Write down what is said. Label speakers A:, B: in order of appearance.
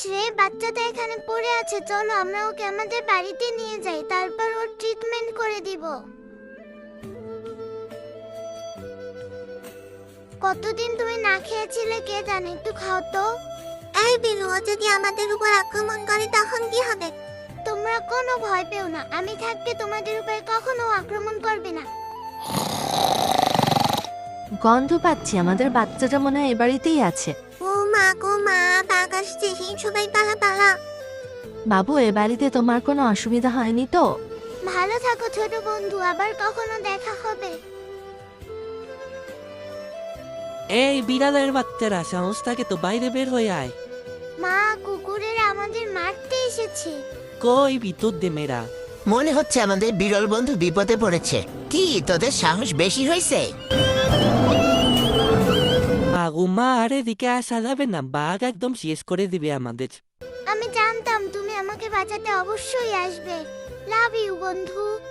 A: রে, বাচ্চাটা এখানে পড়ে আছে, চলো আমরা ওকে আমাদের বাড়িতে নিয়ে যাই, তারপর ওর ট্রিটমেন্ট করে দিব। কতদিন তুমি না খেয়েছিলে কে জানে, একটু খাও তো।
B: এই বিলু, ও যদি আমাদের উপর আক্রমণ করে তখন কি হবে?
A: তোমরা কোনো ভয় পেও না, আমি থাকতে তোমাদের উপরে কখনো আক্রমণ করবে না।
C: গন্ধ পাচ্ছি, আমাদের বাচ্চাটা মনে হয় এ বাড়িতেই আছে।
B: ও মা গো মা, বাঘ আসছে, সবাই পালা পালা।
C: বাবু, এ বাড়িতে তোমার কোনো অসুবিধা হয়নি তো?
A: ভালো থাকো ছোট বন্ধু, আবার কখনো দেখা হবে।
D: এই বিড়ালের বাচ্চারা, সাহস থাকে তো বাইরে বের হয়ে আয়।
A: মা, কুকুরেরা আমাদের মারতে এসেছে।
D: কই ভিতর দে মেরা।
E: মনে হচ্ছে আমাদের বিরল বন্ধু বিপদে পড়েছে। কি তোদের সাহস বেশি হয়েছে?
D: মা আর এদিকে আসা যাবে না, বাঘ একদম শেষ করে দিবে আমাদের।
A: আমি জানতাম তুমি আমাকে বাঁচাতে অবশ্যই আসবে। লাভ ইউ বন্ধু।